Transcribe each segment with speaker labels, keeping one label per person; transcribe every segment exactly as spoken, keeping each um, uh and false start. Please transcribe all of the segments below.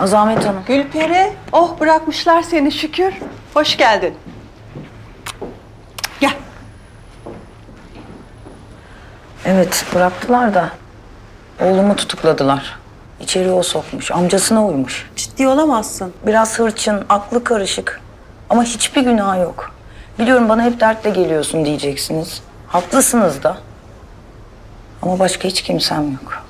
Speaker 1: Azamet Hanım.
Speaker 2: Gülperi, oh bırakmışlar seni şükür. Hoş geldin. Gel.
Speaker 1: Evet, bıraktılar da oğlumu tutukladılar. İçeri o sokmuş, amcasına uymuş.
Speaker 2: Ciddi olamazsın.
Speaker 1: Biraz hırçın, aklı karışık. Ama hiçbir günah yok. Biliyorum bana hep dertle geliyorsun diyeceksiniz. Haklısınız da. Ama başka hiç kimsem yok.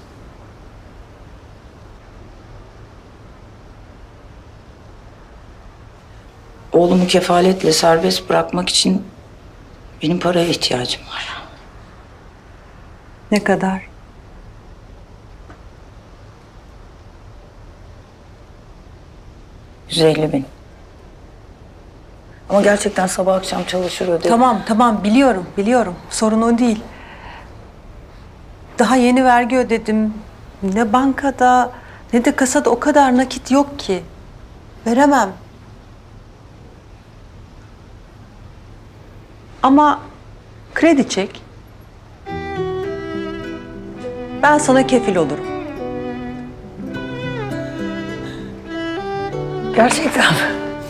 Speaker 1: Oğlumu kefaletle serbest bırakmak için benim paraya ihtiyacım var.
Speaker 2: Ne kadar?
Speaker 1: yüz elli bin. Ama gerçekten sabah akşam çalışır öderim.
Speaker 2: Tamam, tamam biliyorum, biliyorum. Sorun o değil. Daha yeni vergi ödedim. Ne bankada ne de kasada o kadar nakit yok ki. Veremem. Ama kredi çek. Ben sana kefil olurum.
Speaker 1: Gerçekten mi?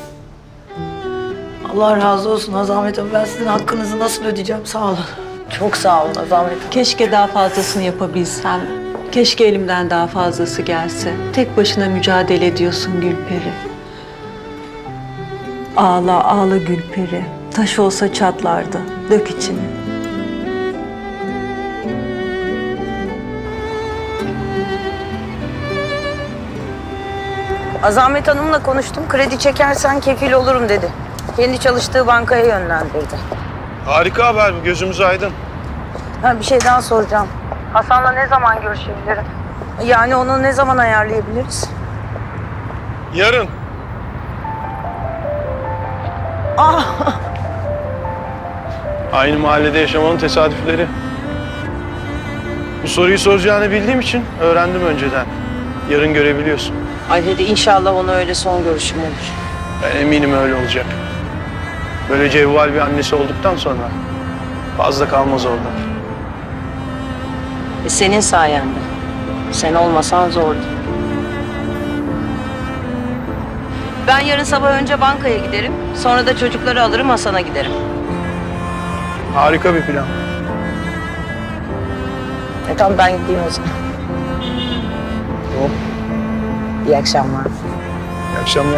Speaker 1: Allah razı olsun Azamet Hanım. Ben sizin hakkınızı nasıl ödeyeceğim? Sağ olun. Çok sağ olun Azamet Hanım.
Speaker 2: Keşke daha fazlasını yapabilsem. Keşke elimden daha fazlası gelse. Tek başına mücadele ediyorsun Gülperi. Ağla, ağla Gülperi. Taş olsa çatlardı. Dök içini.
Speaker 1: Azamet Hanım'la konuştum. Kredi çekersen kefil olurum dedi. Kendi çalıştığı bankaya yönlendirdi.
Speaker 3: Harika haber bu, gözümüz aydın.
Speaker 1: Ha, bir şey daha soracağım. Hasan'la ne zaman görüşebilirim? Yani onu ne zaman ayarlayabiliriz?
Speaker 3: Yarın.
Speaker 1: Ah!
Speaker 3: Aynı mahallede yaşamanın tesadüfleri. Bu soruyu soracağını bildiğim için öğrendim önceden. Yarın görebiliyorsun.
Speaker 1: Ay dedi inşallah ona öyle son görüşüm olur.
Speaker 3: Ben eminim öyle olacak. Böyle cevval bir annesi olduktan sonra fazla kalmaz orada.
Speaker 1: E, senin sayende. Sen olmasan zordu. Ben yarın sabah önce bankaya giderim. Sonra da çocukları alırım Hasan'a giderim.
Speaker 3: Harika bir plan.
Speaker 1: E tamam ben gideyim o zaman.
Speaker 3: Tamam.
Speaker 1: İyi akşamlar.
Speaker 3: İyi akşamlar.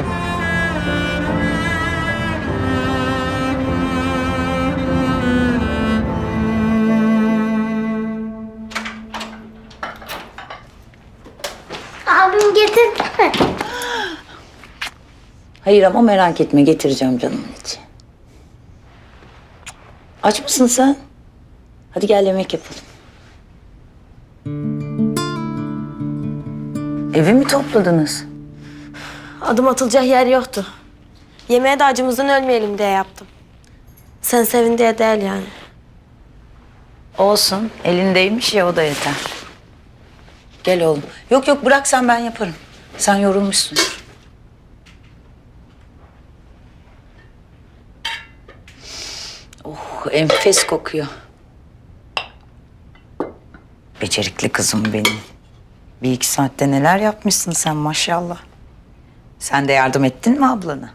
Speaker 4: Abim getirdi mi?
Speaker 1: Hayır ama merak etme getireceğim canımın içi. Aç mısın sen? Hadi gel yemek yapalım. Evi mi topladınız?
Speaker 4: Adım atılacak yer yoktu. Yemeğe de acımızdan ölmeyelim diye yaptım. Sen sevin diye değil yani.
Speaker 1: Olsun. Elindeymiş ya o da yeter. Gel oğlum. Yok yok bırak sen ben yaparım. Sen yorulmuşsundur. Oh enfes kokuyor. Becerikli kızım benim. Bir iki saatte neler yapmışsın sen maşallah. Sen de yardım ettin mi ablana?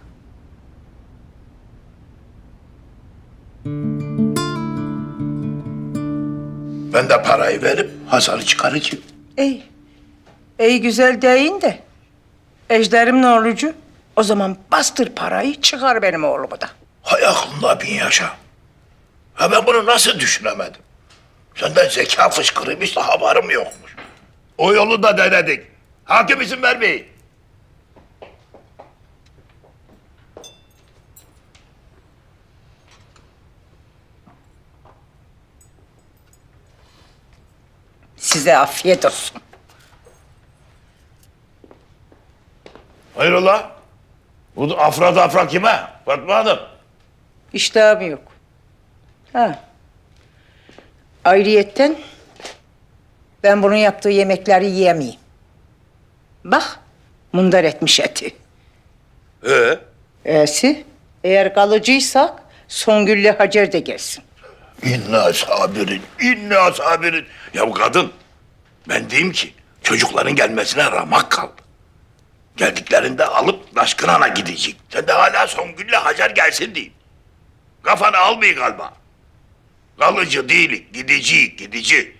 Speaker 5: Ben de parayı verip Hasan'ı çıkaracağım.
Speaker 6: İyi. İyi güzel deyin de. Ejderim ne olucu? O zaman bastır parayı çıkar benim oğlumu da.
Speaker 5: Hay aklında bin yaşa. Ha ben bunu nasıl düşünemedim? Senden zeka fışkırıymış da haberim yokmuş. O yolu da denedik. Hakim izin vermeyin.
Speaker 6: Size afiyet olsun.
Speaker 5: Hayrola? Bu afra dafra kime? Fatma Hanım.
Speaker 6: İştahım yok. Ha. Ayrıyetten ben bunun yaptığı yemekleri yiyemeyim. Bak, mundar etmiş eti.
Speaker 5: Ee?
Speaker 6: E'si, eğer kalıcıysak Songül'le Hacer de gelsin.
Speaker 5: İnna sabirin, inna sabirin. Ya bu kadın, ben diyeyim ki çocukların gelmesine ramak kaldı. Geldiklerinde alıp Taşkıran'a gidecek. Sen de hala Songül'le Hacer gelsin diye. Kafanı almayı galiba. Kalıcı değil, gidici, gidici.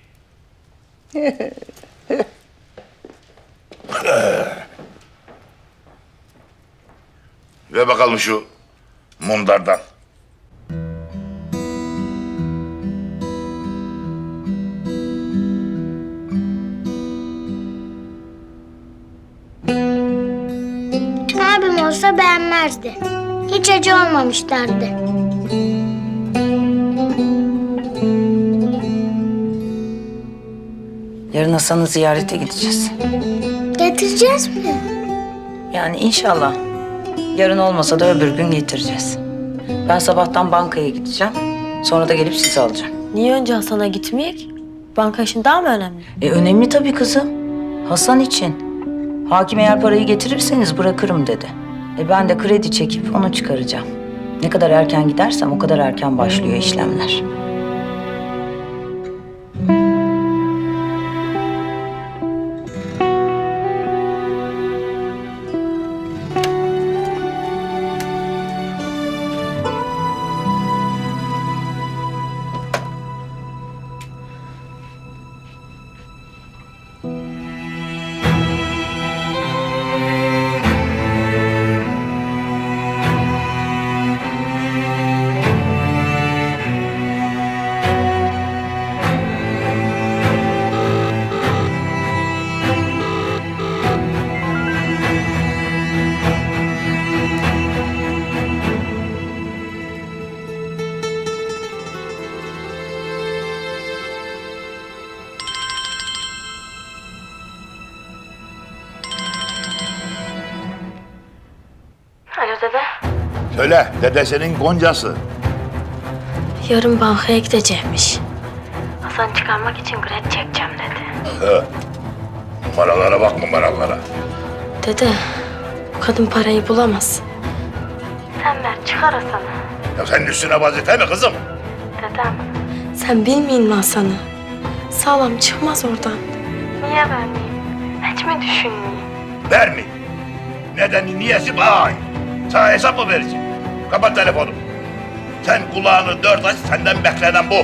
Speaker 5: Ve bakalım şu mundardan.
Speaker 7: Abim olsa beğenmezdi. Hiç acı olmamış derdi.
Speaker 1: Yarın Hasan'ı ziyarete gideceğiz.
Speaker 7: Getireceğiz mi?
Speaker 1: Yani inşallah. Yarın olmasa da öbür gün getireceğiz. Ben sabahtan bankaya gideceğim. Sonra da gelip sizi alacağım.
Speaker 4: Niye önce Hasan'a gitmeyek? Banka işin daha mı önemli?
Speaker 1: E önemli tabii kızım. Hasan için. Hakim eğer parayı getirirseniz bırakırım dedi. E ben de kredi çekip onu çıkaracağım. Ne kadar erken gidersem o kadar erken başlıyor işlemler.
Speaker 4: Alo dede.
Speaker 5: Söyle, dedesinin goncası.
Speaker 4: Yarın bankaya gidecekmiş. Hasan çıkarmak için kredi çekeceğim dedi.
Speaker 5: He. Numaralara bak numaralara.
Speaker 4: Dede, bu kadın parayı bulamaz. Sen ver, çıkar Hasan'ı.
Speaker 5: Ya senin üstüne vazife mi kızım?
Speaker 4: Dedem. Sen bilmeyin mi Hasan'ı? Sağlam çıkmaz oradan. Niye vermeyeyim? Hiç mi düşünmeyeyim?
Speaker 5: Verme. Nedeni niyesi bay. Sana hesap mı vereceğim? Kapat telefonu. Sen kulağını dört aç, senden beklenen bu.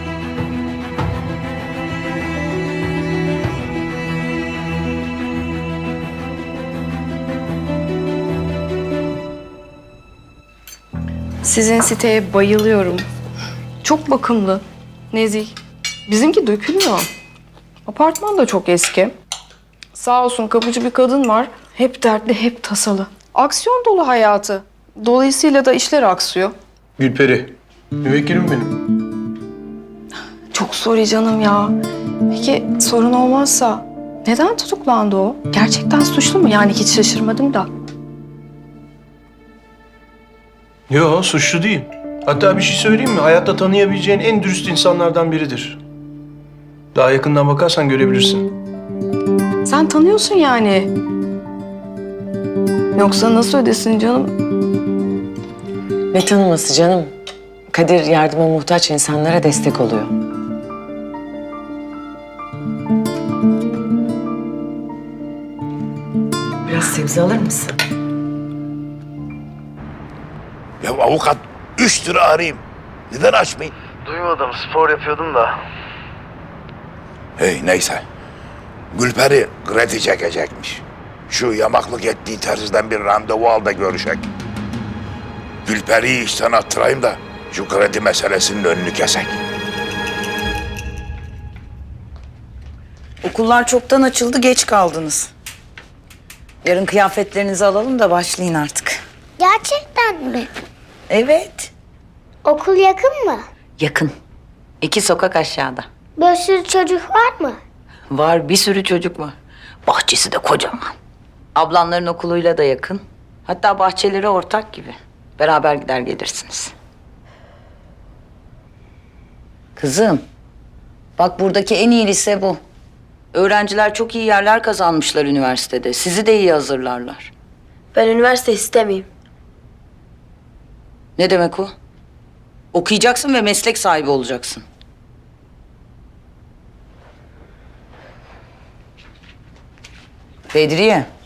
Speaker 8: Sizin siteye bayılıyorum. Çok bakımlı, nezih. Bizimki dökülmüyor. Apartman da çok eski. Sağ olsun kapıcı bir kadın var. Hep dertli, hep tasalı. Aksiyon dolu hayatı. Dolayısıyla da işler aksıyor.
Speaker 3: Gülperi, müvekkilim benim.
Speaker 8: Çok sorry canım ya. Peki sorun olmazsa neden tutuklandı o? Gerçekten suçlu mu? Yani hiç şaşırmadım da.
Speaker 3: Yo, suçlu değil. Hatta bir şey söyleyeyim mi? Hayatta tanıyabileceğin en dürüst insanlardan biridir. Daha yakından bakarsan görebilirsin.
Speaker 8: Sen tanıyorsun yani. Yoksa nasıl ödesin canım?
Speaker 9: Ne tanıması canım? Kadir yardıma muhtaç insanlara destek oluyor. Biraz sebze alır mısın?
Speaker 5: Ya avukat üç lira arayayım. Neden açmayın?
Speaker 3: Duymadım, spor yapıyordum da.
Speaker 5: Hey neyse. Gülperi kredi çekecekmiş. Şu yamaklık ettiği terziden bir randevu al da görüşek. Gülperi'yi işten attırayım da şu kredi meselesinin önünü kesek.
Speaker 1: Okullar çoktan açıldı, geç kaldınız. Yarın kıyafetlerinizi alalım da başlayın artık.
Speaker 7: Gerçekten mi?
Speaker 1: Evet.
Speaker 7: Okul yakın mı?
Speaker 1: Yakın. İki sokak aşağıda.
Speaker 7: Bir sürü çocuk var mı?
Speaker 1: Var, bir sürü çocuk var. Bahçesi de kocaman. Ablanların okuluyla da yakın. Hatta bahçeleri ortak gibi. Beraber gider gelirsiniz. Kızım, bak buradaki en iyi lise bu. Öğrenciler çok iyi yerler kazanmışlar üniversitede. Sizi de iyi hazırlarlar.
Speaker 4: Ben üniversite istemeyeyim.
Speaker 1: Ne demek o? Okuyacaksın ve meslek sahibi olacaksın. Bedriye,